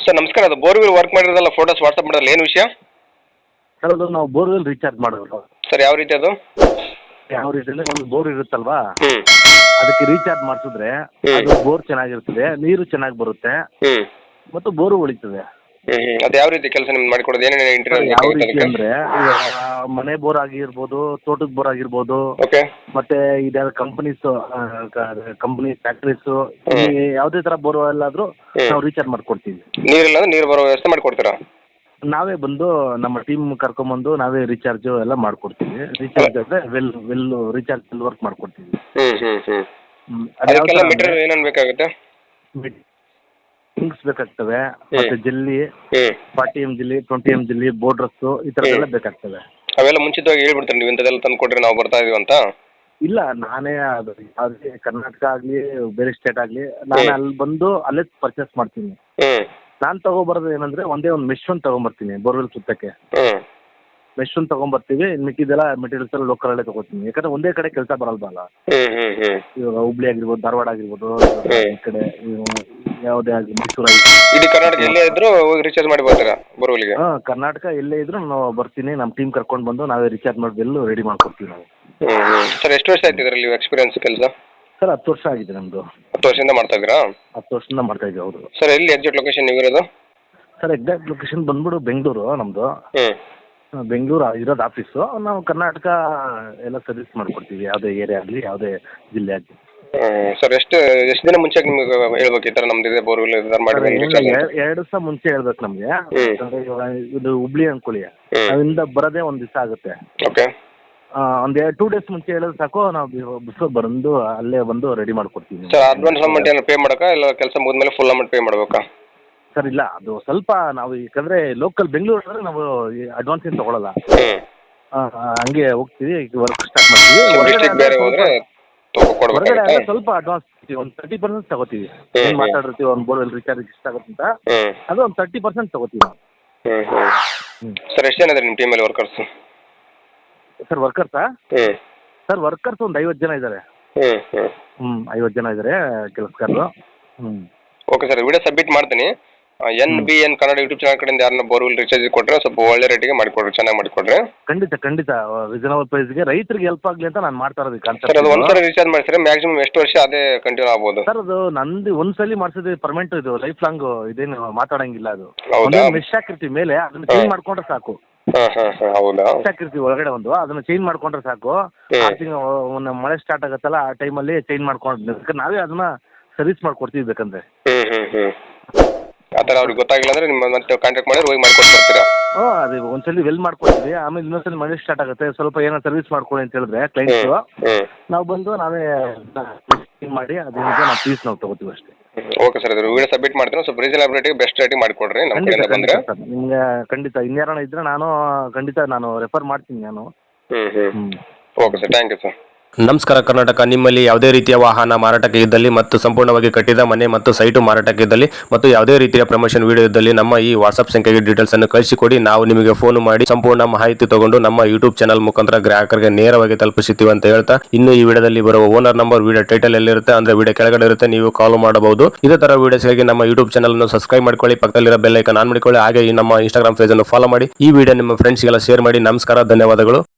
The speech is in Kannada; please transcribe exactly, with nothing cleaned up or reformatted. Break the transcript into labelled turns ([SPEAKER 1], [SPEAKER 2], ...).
[SPEAKER 1] ಸರ್ ನಮಸ್ಕಾರ, ಅದು ಬೋರ್ವೆಲ್ ವರ್ಕ್ ಮಾಡಿರೋದಲ್ಲ ಫೋಟೋಸ್ ವಾಟ್ಸಪ್ ಮಾಡೋಲ್ಲ, ಏನು ವಿಷಯ
[SPEAKER 2] ಸರ್ ಅದು ನಾವು ಬೋರ್ವೆಲ್ ರೀಚಾರ್ಜ್ ಮಾಡೋದು.
[SPEAKER 1] ಸರ್ ಯಾವ ರೀತಿ ಅದು?
[SPEAKER 2] ಯಾವ ರೀತಿ ಅಂದರೆ ಒಂದು ಬೋರ್ ಇರುತ್ತಲ್ವಾ,
[SPEAKER 1] ಹ್ಞೂ
[SPEAKER 2] ಅದಕ್ಕೆ ರೀಚಾರ್ಜ್ ಮಾಡಿಸಿದ್ರೆ
[SPEAKER 1] ಹ್ಮ್.
[SPEAKER 2] ಅದು ಬೋರ್ ಚೆನ್ನಾಗಿರ್ತದೆ, ನೀರು ಚೆನ್ನಾಗಿ ಬರುತ್ತೆ
[SPEAKER 1] ಹ್ಞೂ
[SPEAKER 2] ಮತ್ತು ಬೋರು ಉಳಿತದೆ.
[SPEAKER 1] ಹ್ಞೂ ಹ್ಞೂ ಅದು ಯಾವ ರೀತಿ ಕೆಲಸ ನಿಮ್ಗೆ ಮಾಡಿಕೊಡೋದು? ಏನೇನು
[SPEAKER 2] ಸರ್,
[SPEAKER 1] ಇಂಟೀರಿಯರ್
[SPEAKER 2] ಯಾವ
[SPEAKER 1] ಬೇಕಾಗುತ್ತೆ
[SPEAKER 2] ರೀತಿ
[SPEAKER 1] ಅದಕ್ಕೆ?
[SPEAKER 2] ಅಂದರೆ ಮನೆ ಬೋರ್ ಆಗಿರ್ಬೋದು, ತೋಟದ ಬೋರ್ ಆಗಿರ್ಬೋದು,
[SPEAKER 1] ಓಕೆ
[SPEAKER 2] ಮತ್ತೆ ಇದ್ಯಾವ ಕಂಪನೀಸ್ ಕಂಪನಿ ಫ್ಯಾಕ್ಟ್ರೀಸು,
[SPEAKER 1] ಹ್ಮ್.
[SPEAKER 2] ಯಾವುದೇ ಥರ ಬೋರ್ವೆಲ್ ಆದರೂ
[SPEAKER 1] ಹ್ಮ್.
[SPEAKER 2] ನಾವು ರೀಚಾರ್ಜ್ ಮಾಡಿಕೊಡ್ತೀವಿ.
[SPEAKER 1] ನೀರಿಲ್ಲ ಅಂದ್ರೆ ನೀರು ಬರೋ ವ್ಯವಸ್ಥೆ ಮಾಡಿಕೊಡ್ತೀರಾ?
[SPEAKER 2] ನಾವೇ ಬಂದು ನಮ್ಮ ಟೀಮ್ ಕರ್ಕೊಂಬಂದು ನಾವೇ ರೀಚಾರ್ಜು ಎಲ್ಲ ಮಾಡ್ಕೊಡ್ತೀವಿ. ರೀಚಾರ್ಜ್ ಅಂದರೆ well well recharge well work ಮಾಡ್ಕೊಡ್ತೀವಿ.
[SPEAKER 1] ಹ್ಞೂ ಹ್ಞೂ ಹ್ಞೂ
[SPEAKER 2] ಹ್ಮ್. ಅದು ಯಾವ
[SPEAKER 1] ಅದಕ್ಕೆಲ್ಲ
[SPEAKER 2] ಥರ ಅಂದರೆ
[SPEAKER 1] ಮೆಟೀರಿಯಲ್ ಏನೇನು ಬೇಕಾಗುತ್ತೆ?
[SPEAKER 2] ಥಿಂಗ್ಸ್ ಬೇಕಾಗ್ತವೆ, ಮತ್ತೆ ಜಲ್ಲಿ,
[SPEAKER 1] ಹ್ಞೂ
[SPEAKER 2] ಫಾರ್ಟಿ ಎಮ್ ಜಿಲ್ಲಿ, ಟ್ವೆಂಟಿ ಎಮ್ ಜಿಲ್ಲಿ, ಬೋರ್ಡ್ರಸ್ಸು, ಈ ಥರದ್ದೆಲ್ಲ ಬೇಕಾಗ್ತವೆ.
[SPEAKER 1] ಅವೆಲ್ಲ ಮುಂಚಿತವಾಗಿ ಹೇಳ್ಬಿಡ್ತಾರೆ, ನೀವು ಇಂಥದ್ದೆಲ್ಲ ತಂದು ಕೊಡ್ರಿ ನಾವು ಬರ್ತಾ ಇದೀವಿ ಅಂತ?
[SPEAKER 2] ಇಲ್ಲ, ನಾನೇ ಅದು ಯಾವುದೇ ಕರ್ನಾಟಕ ಆಗಲಿ ಬೇರೆ ಸ್ಟೇಟ್ ಆಗಲಿ ನಾನು
[SPEAKER 1] ಹ್ಮ್.
[SPEAKER 2] ಅಲ್ಲಿ ಬಂದು ಅಲ್ಲೇ ಪರ್ಚೇಸ್ ಮಾಡ್ತೀನಿ.
[SPEAKER 1] ಹ್ಞೂ
[SPEAKER 2] ನಾನು ತೊಗೊಬರೋದು ಏನಂದರೆ ಒಂದೇ ಒಂದು ಮೆಶ್ ಒಂದು ತೊಗೊಂಬರ್ತೀನಿ ಬೋರ್ವೆಲ್ ಸುತ್ತಕ್ಕೆ.
[SPEAKER 1] ಹ್ಞೂ
[SPEAKER 2] ಮೆಶ್ ಒಂದು ತೊಗೊಂಬರ್ತೀವಿ, ಇನ್ನು ಮಿಕ್ಕಿದೆಲ್ಲ ಮೆಟೀರಿಯಲ್ಸ್ ಎಲ್ಲ ಲೋಕಲಲ್ಲೇ ತೊಗೋತೀನಿ. ಯಾಕಂದರೆ ಒಂದೇ ಕಡೆ ಕೆಲಸ ಬರಲ್ವಲ್ಲ.
[SPEAKER 1] ಹ್ಞೂ ಹ್ಞೂ ಹ್ಞೂ
[SPEAKER 2] ಇವಾಗ ಹುಬ್ಳಿ ಆಗಿರ್ಬೋದು, ಧಾರವಾಡ ಆಗಿರ್ಬೋದು,
[SPEAKER 1] ಹ್ಮ್.
[SPEAKER 2] ಈ ಕಡೆ ಇವು ಯಾವುದೇ ಆಗಲಿ ಮೈಸೂರು ಆಗಿರ್ಬೋದು.
[SPEAKER 1] ಇಡೀ ಕರ್ನಾಟಕ ಎಲ್ಲೇ ಇದ್ರೂ ಹೋಗಿ ರೀಚಾರ್ಜ್ ಮಾಡಿ ಬರ್ತೀರಾ ಬೋರ್ವೆಲ್ಗೆ?
[SPEAKER 2] ಹಾಂ, ಕರ್ನಾಟಕ ಎಲ್ಲೇ ಇದ್ರೂ ನಾವು ಬರ್ತೀನಿ, ನಮ್ಮ ಟೀಮ್ ಕರ್ಕೊಂಡು ಬಂದು ನಾವೇ ರೀಚಾರ್ಜ್ ಮಾಡಿ ಬಿಲ್ಲು ರೆಡಿ ಮಾಡ್ಕೊಡ್ತೀವಿ ನಾವು.
[SPEAKER 1] ಹ್ಞೂ ಹ್ಞೂ ಸರ್ ಎಷ್ಟು ವರ್ಷ ಆಯ್ತು ಇದರಲ್ಲಿ ಎಕ್ಸ್ಪೀರಿಯನ್ಸ್ ಕೆಲಸ?
[SPEAKER 2] ಸರ್ ಹತ್ತು ವರ್ಷ ಆಗಿದೆ ನಮ್ಮದು.
[SPEAKER 1] ಹತ್ತು ವರ್ಷದಿಂದ ಮಾಡ್ತಾ ಇದ್ದೀರಾ?
[SPEAKER 2] ಹತ್ತು ವರ್ಷದಿಂದ ಮಾಡ್ತಾ ಇದ್ದೀವಿ. ಹೌದು
[SPEAKER 1] ಸರ್ ಎಲ್ಲಿ ಎಕ್ಸಾಕ್ಟ್ ಲೊಕೇಶನ್ ನೀವು ಇರೋದು?
[SPEAKER 2] ಸರ್, ಎಕ್ಸಾಕ್ಟ್ ಲೊಕೇಶನ್ ಬಂದ್ಬಿಟ್ಟು ಬೆಂಗಳೂರು ನಮ್ಮದು.
[SPEAKER 1] ಹ್ಞೂ
[SPEAKER 2] ಬೆಂಗಳೂರು ಇರೋದು ಆಫೀಸು. ನಾವು ಕರ್ನಾಟಕ ಎಲ್ಲ ಸರ್ವಿಸ್ ಮಾಡ್ಕೊಡ್ತೀವಿ, ಯಾವುದೇ ಏರಿಯಾ ಆಗಲಿ ಯಾವುದೇ ಜಿಲ್ಲೆ ಆಗಲಿ.
[SPEAKER 1] ಹ್ಞೂ ಸರ್ ಎಷ್ಟು ಎಷ್ಟು ದಿನ ಮುಂಚೆ ನಿಮಗೆ ಹೇಳ್ಬೇಕು ಈ ಥರ ನಮ್ದು ಇದೆ ಬೋರ್ವೆಲ್ ಈ ಥರ ಮಾಡಿ
[SPEAKER 2] ಸರ್,
[SPEAKER 1] ಬಂದು
[SPEAKER 2] ಏನು
[SPEAKER 1] ರೀಚಾರ್ಜ್ ಅಂತ?
[SPEAKER 2] ಎರಡು ಎರಡು ದಿವಸ ಮುಂಚೆ ಹೇಳ್ಬೇಕು ನಮಗೆ.
[SPEAKER 1] ಹ್ಮ್.
[SPEAKER 2] ಯಾಕಂದರೆ ಇವಾಗ ಇದು ಹುಬ್ಳಿ ಅಂದ್ಕೊಳ್ಳಿ,
[SPEAKER 1] ಹ್ಮ್.
[SPEAKER 2] ಅಲ್ಲಿಂದ ಬರೋದೇ ಒಂದು ದಿವಸ ಆಗುತ್ತೆ.
[SPEAKER 1] ಓಕೆ
[SPEAKER 2] ಒಂದು ಎರಡು ಟೂ ಡೇಸ್ ಮುಂಚೆ ಹೇಳಿದ್ರೆ ಸಾಕು, ನಾವು ಬಸ್ ಬಂದು ಅಲ್ಲೇ ಬಂದು ರೆಡಿ ಮಾಡ್ಕೊಡ್ತೀವಿ.
[SPEAKER 1] ಸರ್ ಅಡ್ವಾನ್ಸ್ ಅಮೌಂಟ್ ಏನಾರು ಪೇ ಮಾಡೋಕ್ಕಾ ಇಲ್ಲ ಕೆಲಸ ಮುಗಿದ್ಮೇಲೆ ಫುಲ್ ಅಮೌಂಟ್ ಪೇ ಮಾಡಬೇಕಾ?
[SPEAKER 2] ಸರ್ ಇಲ್ಲ, ಅದು ಸ್ವಲ್ಪ ನಾವು ಯಾಕಂದರೆ ಲೋಕಲ್ ಬೆಂಗಳೂರು ಅಂದರೆ ನಾವು ಅಡ್ವಾನ್ಸ್ ಏನು ತೊಗೊಳಲ್ಲ.
[SPEAKER 1] ಹ್ಞೂ
[SPEAKER 2] ಹಂಗೆ ಹೋಗ್ತೀವಿ, ವರ್ಕ್ ಸ್ಟಾರ್ಟ್ ಮಾಡ್ತೀವಿ. ಹೊರಗಡೆ
[SPEAKER 1] ಡಿಸ್ಟ್ರಿಕ್ಟ್
[SPEAKER 2] ಆದ್ರೆ
[SPEAKER 1] ಬೇರೆ
[SPEAKER 2] ಸ್ವಲ್ಪ-
[SPEAKER 1] ಹೋದರೆ
[SPEAKER 2] ಹೊರಗಡೆ
[SPEAKER 1] ಕೊಡ್ಬೇಕಾಗುತ್ತಾ?
[SPEAKER 2] ಆದರೆ ಸ್ವಲ್ಪ ಅಡ್ವಾನ್ಸ್ ಒಂದು ತರ್ಟಿ ಪರ್ಸೆಂಟ್ ತಗೋತೀವಿ.
[SPEAKER 1] ಹ್ಮ್,
[SPEAKER 2] ಏನು
[SPEAKER 1] ಹ್ಮ್.
[SPEAKER 2] ಮಾತಾಡಿರ್ತೀವಿ ಒಂದು ಬೋರ್ವೆಲ್ ರೀಚಾರ್ಜ್ ಇಷ್ಟ ಆಗುತ್ತೆ ಅಂತ,
[SPEAKER 1] ಹ್ಞೂ
[SPEAKER 2] ಅದು ಒಂದು ತರ್ಟಿ ಪರ್ಸೆಂಟ್ ತಗೋತೀವಿ ನಾವು.
[SPEAKER 1] ಹ್ಞೂ ಹ್ಞೂ
[SPEAKER 2] ಹ್ಞೂ
[SPEAKER 1] ಸರ್ ಎಷ್ಟು ಜನ ಇದ್ದಾರೆ ನಿಮ್ಮ ಟೀಮಲ್ಲಿ ವರ್ಕರ್ಸು?
[SPEAKER 2] ಸರ್ ವರ್ಕರ್ಸಾ?
[SPEAKER 1] ಹ್ಞೂ
[SPEAKER 2] ಸರ್ ವರ್ಕರ್ಸ್ ಒಂದು ಐವತ್ತು ಜನ ಇದ್ದಾರೆ.
[SPEAKER 1] ಹ್ಞೂ ಹ್ಞೂ
[SPEAKER 2] ಹ್ಞೂ ಐವತ್ತು ಜನ ಇದ್ದಾರೆ ಕೆಲಸಗಾರರು. ಹ್ಞೂ
[SPEAKER 1] ಓಕೆ ಸರ್, ವಿಡಿಯೋ ಸಬ್ಮಿಟ್ ಮಾಡ್ತೀನಿ. N B N Kannada YouTube channel ಕಡೆಯಿಂದ ಯಾರನ್ನ ಬೋರ್ವೆಲ್ ರೀಚಾರ್ಜ್ ಕೊಟ್ಟರೆ ಸ್ವಲ್ಪ ಒಳ್ಳೆ ರೇಟಿಗೆ ಮಾಡಿಕೊಡ್ರಿ, ಚೆನ್ನಾಗಿ ಮಾಡಿಕೊಡ್ರಿ.
[SPEAKER 2] ಖಂಡಿತ ಖಂಡಿತ ರೀಸನಬಲ್ ಪ್ರೈಸ್ಗೆ ರೈತರಿಗೆ ಹೆಲ್ಪ್ ಆಗಲಿ ಅಂತ ನಾನು ಮಾಡ್ತಾ ಇರೋದು
[SPEAKER 1] ಸರ್ ಅದು ಒಂದು
[SPEAKER 2] ಕಾನ್ಸೆಪ್ಟ್.
[SPEAKER 1] ಸರಿ ರೀಚಾರ್ಜ್ ಮಾಡಿಸಿದ್ರೆ ಮ್ಯಾಕ್ಸಿಮಮ್ ಎಷ್ಟು ವರ್ಷ ಅದೇ ಕಂಟಿನ್ಯೂ ಆಗ್ಬೋದು?
[SPEAKER 2] ಸರ್ ಅದು ನಂದು ಒಂದ್ಸಲಿ ಮಾಡಿಸಿದ್ರೆ ಪರ್ಮನೆಂಟ್, ಇದು ಲೈಫ್ ಲಾಂಗ್ ಇದೇನು ಮಾತಾಡಂಗಿಲ್ಲ. ಅದು
[SPEAKER 1] ಹೌದಾ?
[SPEAKER 2] ಒಂದೇ ಮೆಶ್ ಹಾಕಿರ್ತೀವಿ ಮೇಲೆ, ಅದನ್ನ ಚೇಂಜ್ ಮಾಡ್ಕೊಂಡ್ರೆ ಸಾಕು.
[SPEAKER 1] ಹಾಂ ಹಾಂ ಹಾಂ ಹೌದಾ?
[SPEAKER 2] ಮೆಶ್ ಹಾಕಿರ್ತೀವಿ ಒಳಗಡೆ ಒಂದು, ಅದನ್ನ ಚೇಂಜ್ ಮಾಡ್ಕೊಂಡ್ರೆ ಸಾಕು.
[SPEAKER 1] ಹ್ಮ್.
[SPEAKER 2] ಆರು ತಿಂಗಳು ಮಳೆ ಸ್ಟಾರ್ಟ್ ಆಗುತ್ತಲ್ಲ ಆ ಟೈಮಲ್ಲಿ ಚೇಂಜ್ ಮಾಡ್ಕೊಂಡು ನಾವೇ ಅದನ್ನ ಸರ್ವಿಸ್ ಮಾಡ್ಕೊಡ್ತೀವಿ ಬೇಕಂದ್ರೆ.
[SPEAKER 1] ಹ್ಞೂ ಹ್ಞೂ ಹ್ಞೂ ಆ ಥರ ಅವ್ರಿಗೆ ಗೊತ್ತಾಗಿಲ್ಲ ಅಂದರೆ ನಿಮ್ಮ ಮತ್ತೆ ಕಾಂಟ್ಯಾಕ್ಟ್ ಮಾಡಿದ್ರೆ ಹೋಗಿ ಮಾಡ್ಕೊಟ್ಟು ಬರ್ತೀರಾ?
[SPEAKER 2] ಹ್ಞೂ, ಅದು ಒಂದ್ಸಲಿ ವೆಲ್ ಮಾಡ್ಕೊಡ್ತೀವಿ, ಆಮೇಲೆ ಇನ್ನೊಂದ್ಸಲಿ ಮಳೆ ಸ್ಟಾರ್ಟ್ ಆಗುತ್ತೆ, ಸ್ವಲ್ಪ ಏನೋ ಸರ್ವಿಸ್ ಮಾಡ್ಕೊಳ್ಳಿ ಅಂತ ಹೇಳಿದ್ರೆ ಕ್ಲೈಂಟ್ಸು,
[SPEAKER 1] ಹ್ಞೂ ಹ್ಞೂ
[SPEAKER 2] ನಾವು ಬಂದು ನಾವೇ ಮಾಡಿ ಅದರಿಂದ ನಾವು ಪೀಸ್ ನಾವು ತೊಗೋತೀವಿ ಅಷ್ಟೇ.
[SPEAKER 1] ಓಕೆ ಸರ್, ಇದು ವಿಡಿಯೋ ಸಬ್ಮಿಟ್ ಮಾಡ್ತೀನಿ. ಸ್ವಲ್ಪ ರೀಸನಬಲ್ ರೇಟಿಗೆ ಬೆಸ್ಟ್ ರೇಟಿಗೆ ಮಾಡಿಕೊಡ್ರಿ ನಮ್ಮ
[SPEAKER 2] ಖಂಡಿತ
[SPEAKER 1] ಕಡೆಯಿಂದ ಬಂದರೆ.
[SPEAKER 2] ಖಂಡಿತ ಸರ್, ನಿಮಗೆ ಖಂಡಿತ ಇನ್ಯಾರಣ ಇದ್ದರೆ ನಾನು ಖಂಡಿತ ನಾನು ರೆಫರ್ ಮಾಡ್ತೀನಿ ನಾನು.
[SPEAKER 1] ಹ್ಞೂ ಹ್ಞೂ
[SPEAKER 2] ಹ್ಞೂ
[SPEAKER 1] okay sir, thank you sir.
[SPEAKER 3] ನಮಸ್ಕಾರ ಕರ್ನಾಟಕ. ನಿಮ್ಮಲ್ಲಿ ಯಾವುದೇ ರೀತಿಯ ವಾಹನ ಮಾರಾಟಕ್ಕೆ ಇದ್ದಲ್ಲಿ ಮತ್ತು ಸಂಪೂರ್ಣವಾಗಿ ಕಟ್ಟಿದ ಮನೆ ಮತ್ತು ಸೈಟು ಮಾರಾಟಕ್ಕೆ ಇದ್ದಲ್ಲಿ ಮತ್ತು ಯಾವುದೇ ರೀತಿಯ ಪ್ರಮೋಷನ್ ವಿಡಿಯೋ ಇದ್ದಲ್ಲಿ ನಮ್ಮ ಈ ವಾಟ್ಸ್ಆಪ್ ಸಂಖ್ಯೆಗೆ ಡೀಟೇಲ್ಸ್ ಅನ್ನು ಕಳಿಸಿಕೊಡಿ. ನಾವು ನಿಮಗೆ ಫೋನ್ ಮಾಡಿ ಸಂಪೂರ್ಣ ಮಾಹಿತಿ ತಗೊಂಡು ನಮ್ಮ ಯೂಟ್ಯೂಬ್ ಚಾನಲ್ ಮುಖಾಂತರ ಗ್ರಾಹಕರಿಗೆ ನೇರವಾಗಿ ತಲುಪಿಸುತ್ತೀವಿ ಅಂತ ಹೇಳ್ತಾ, ಇನ್ನು ಈ ವಿಡಿಯೋದಲ್ಲಿ ಬರುವ ಓನರ್ ನಂಬರ್ ವಿಡಿಯೋ ಟೈಟಲ್ ಎಲ್ಲಿರುತ್ತೆ ಅಂದ್ರೆ ವಿಡಿಯೋ ಕೆಳಗಡೆ ಇರುತ್ತೆ, ನೀವು ಕಾಲ್ ಮಾಡಬಹುದು. ಇದೇ ತರ ವಿಡಿಯೋಸ್ಗಾಗಿ ನಮ್ಮ ಯೂಟ್ಯೂಬ್ ಚಾನಲ್ ಅನ್ನು ಸಬ್ಸ್ಕ್ರೈಬ್ ಮಾಡ್ಕೊಳ್ಳಿ, ಪಕ್ಕದಲ್ಲಿರೋ ಬೆಲ್ ಐಕಾನ್ ಆನ್ ಮಾಡಿಕೊಳ್ಳಿ, ಹಾಗೆ ಈ ನಮ್ಮ ಇನ್ಸ್ಟಾಗ್ರಾಮ್ ಪೇಜ್ ಅನ್ನು ಫಾಲೋ ಮಾಡಿ. ಈ ವಿಡಿಯೋ ನಿಮ್ಮ ಫ್ರೆಂಡ್ಸ್ಗೆಲ್ಲ ಶೇರ್ ಮಾಡಿ. ನಮಸ್ಕಾರ, ಧನ್ಯವಾದಗಳು.